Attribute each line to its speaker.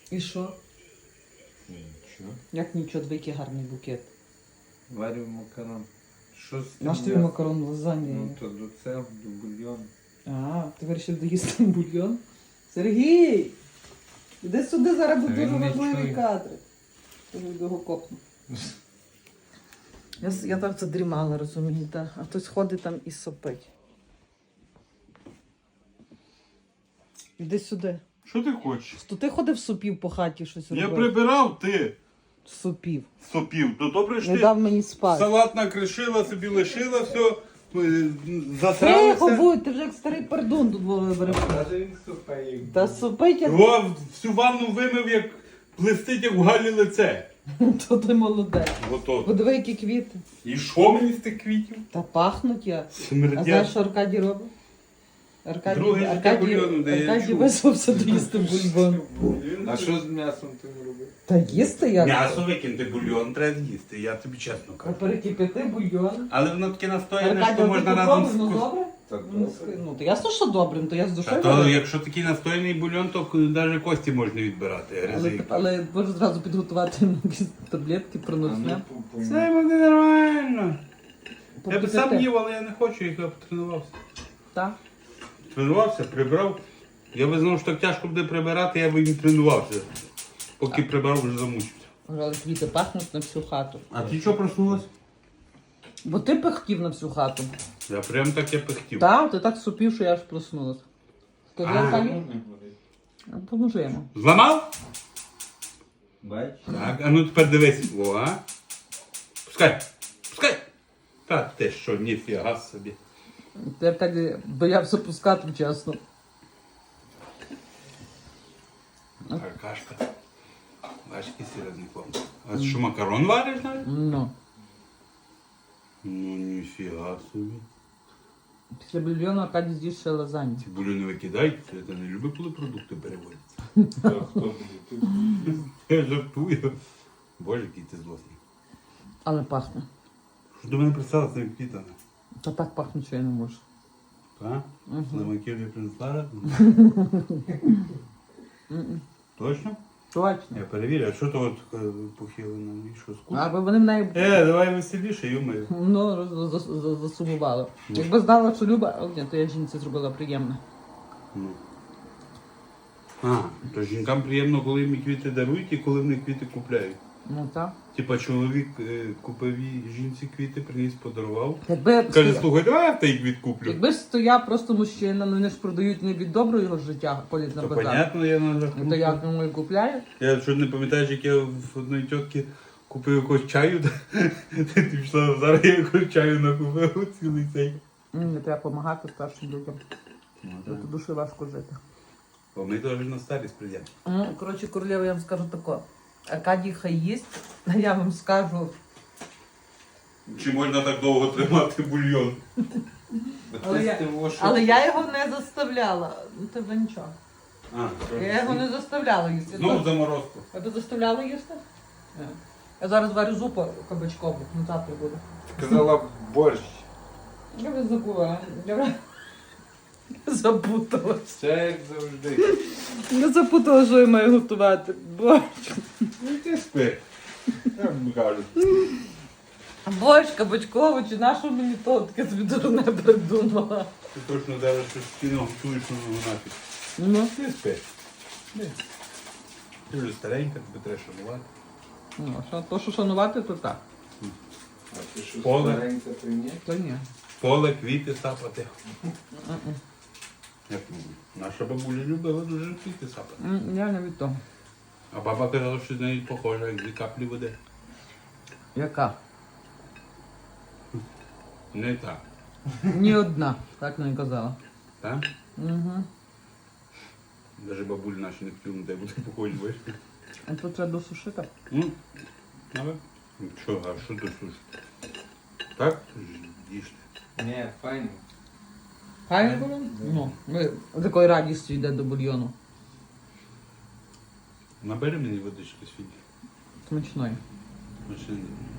Speaker 1: І що?
Speaker 2: Нічого.
Speaker 1: Як нічого, який гарний букет.
Speaker 2: Варю макарон. Що з тим
Speaker 1: Наш тобі
Speaker 2: м'ясом?
Speaker 1: макарон лазанья.
Speaker 2: Ну то до цього, до бульйону.
Speaker 1: А, ти вирішив доїсти бульйон? Сергій! Іди сюди, зараз будуть
Speaker 2: Він
Speaker 1: дуже
Speaker 2: не
Speaker 1: важливі
Speaker 2: чує.
Speaker 1: кадри. Я ж його копну. Я так задрімала, розумієте, а хтось ходить там і сопить. Іди сюди.
Speaker 3: Що ти хочеш?
Speaker 1: То ти ходив сопів по хаті щось
Speaker 3: Я
Speaker 1: робив?
Speaker 3: прибирав, ти
Speaker 1: Сопів.
Speaker 3: сопів. То добре ж
Speaker 1: Не
Speaker 3: ти
Speaker 1: дав мені спати.
Speaker 3: салат накришила, собі лишила, все,
Speaker 1: Тихо
Speaker 3: затравився.
Speaker 1: будь, ти вже як старий пердун тут вибереш.
Speaker 2: Каже він супає.
Speaker 1: Та сопить, як
Speaker 3: Його всю ванну вимив, як блистить, як в Галі лице.
Speaker 1: то ти молодець.
Speaker 3: Готово.
Speaker 1: Подиви, які квіти.
Speaker 3: І що мені з тих квітів?
Speaker 1: Та пахнуть я. А знаєш,
Speaker 3: Смердять.
Speaker 1: що Аркадій робить?
Speaker 3: Друге життя бульйону дає,
Speaker 1: Аркадій
Speaker 3: чув.
Speaker 1: визвався доїсти бульйон.
Speaker 2: А що з м'ясом ти робив?
Speaker 1: Та їсти я.
Speaker 3: М'ясо викинути, бульйон треба з'їсти, я тобі чесно
Speaker 1: А
Speaker 3: кажу.
Speaker 1: перекипяти бульйон.
Speaker 3: Але воно таке настояне,
Speaker 1: Аркадій,
Speaker 3: що
Speaker 1: ти
Speaker 3: можна разом
Speaker 1: попробуй, ну
Speaker 3: з...
Speaker 1: добре?
Speaker 2: Так
Speaker 1: Ну,
Speaker 2: добре.
Speaker 1: ну, то ясно, що добре, ну, то я з
Speaker 3: Та
Speaker 1: душою.
Speaker 3: то,
Speaker 1: роблю.
Speaker 3: якщо такий настояний бульйон, то навіть кості можна відбирати. гризи.
Speaker 1: Але можу зразу підготувати якісь таблетки,
Speaker 2: А
Speaker 1: проносне.
Speaker 2: ну,
Speaker 3: Це буде нормально. Я б
Speaker 1: Попити
Speaker 3: сам
Speaker 1: те.
Speaker 3: їв, але я не хочу, я потренувався.
Speaker 1: Так.
Speaker 3: Тренувався, прибрав. Я би знав, що так тяжко буде прибирати, я би і не тренувався. Поки прибрав, вже замучився.
Speaker 1: Але квіти пахнуть на всю хату.
Speaker 3: А ти чого проснулась?
Speaker 1: Бо ти пихтів на всю хату.
Speaker 3: Я прям так я пихтів.
Speaker 1: Так, ти так супів, що я аж проснулась. Скажи,
Speaker 3: А.
Speaker 1: Аркадій, поможи йому.
Speaker 3: Зламав?
Speaker 2: Бач?
Speaker 3: Так, а ну тепер дивись. О, а? Пускай, пускай. Та ти що, ніфіга собі.
Speaker 1: Ти, Аркадій, боявся пускати, чесно.
Speaker 3: Аркашка. Бачиш, який серйозний хлопець. А що, макарон вариш навіть?
Speaker 1: Ну.
Speaker 3: Ну, ніфіга собі.
Speaker 1: Після бульйону Аркадій з'їсть ще лазанью.
Speaker 3: Ці бульони викидають, я не люблю, коли продукти переводяться.
Speaker 2: Хто буде тут?
Speaker 3: Я жартую. Боже, який ти злосний.
Speaker 1: Але пахне.
Speaker 3: Що до мене пристала з цими квітами?
Speaker 1: Та так пахне, що я не можу.
Speaker 3: Так? Слимаків не принесла разом? Точно?
Speaker 1: Точно.
Speaker 3: Я перевірю, а що то от похилено? І що, скучно?
Speaker 1: Аби вони в неї
Speaker 3: Давай веселіше, юмою.
Speaker 1: ну, засумували. Якби знала, що Люба, о, ні, то я жінці зробила приємно.
Speaker 3: Ну. А, то жінкам приємно, коли їм квіти дарують і коли вони квіти купляють.
Speaker 1: Ну так.
Speaker 3: Типа чоловік купив їй жінці квіти, приніс, подарував.
Speaker 1: Якби,
Speaker 3: Каже, слухай, давай я той квіт куплю.
Speaker 1: якби ж стояв просто мужчина, ну вони ж продають не від доброго його життя, ходять на
Speaker 3: То
Speaker 1: базар.
Speaker 3: понятно, я на
Speaker 1: Ну,
Speaker 3: рахунку.
Speaker 1: то як йому і купляють?
Speaker 3: Я що не пам'ятаєш, як я в одної тітки купив якогось чаю, ти пішла зараз, я якогось чаю накупив цілий цей.
Speaker 1: Не треба допомагати старшим людям.
Speaker 3: Ну,
Speaker 1: Це дуже важко жити.
Speaker 3: Бо ми теж на старість прийдемо.
Speaker 1: Ну, коротше, королева, я вам скажу тако. Аркадій хай їсть, а я вам скажу,
Speaker 3: Чи можна так довго тримати бульйон?
Speaker 1: але я його не заставляла. Ну, це вже нічого.
Speaker 3: А,
Speaker 1: Я його не заставляла їсти.
Speaker 3: Знову заморозку.
Speaker 1: Я би заставляла їсти? Ні. Я зараз варю зупу кабачкову, ну завтра буду.
Speaker 2: Казала борщ.
Speaker 1: Я вже забула. Я вже запуталась.
Speaker 2: Все як завжди.
Speaker 1: Я запутала, що я маю готувати. Борщ.
Speaker 3: Ну ти спи. Як кажуть.
Speaker 1: Борщ кабачковий, чи на що мені то таке собі дурне придумала.
Speaker 3: Ти точно зараз щось спільно готуєш на нафіг.
Speaker 1: Ну,
Speaker 3: Ти спи. Ти вже старенька, тобі треба шанувати.
Speaker 1: ну, що, то, що шанувати, то так.
Speaker 2: А ти що
Speaker 3: Поле.
Speaker 2: старенька, то ні?
Speaker 1: То ні.
Speaker 3: Поле, квіти сапати.
Speaker 1: М-м.
Speaker 3: Як наша бабуля любила дуже квіти сапати.
Speaker 1: Я не від того.
Speaker 3: А баба казала, що з неї похожа, як дві каплі води.
Speaker 1: Яка?
Speaker 3: Не так.
Speaker 1: Ні одна, так не казала.
Speaker 3: Так?
Speaker 1: Угу.
Speaker 3: Навіть бабулі наші не хотіли, де буде похожі, бачиш?
Speaker 1: А тут треба досушити.
Speaker 3: Але? Що, а що тут слушати? Так? Їжте.
Speaker 2: Ні, файно.
Speaker 1: Хай було? Ну, ми з такою радістю йде до бульйону.
Speaker 3: Набери мені водички світі.
Speaker 1: Смачної.
Speaker 3: Машини.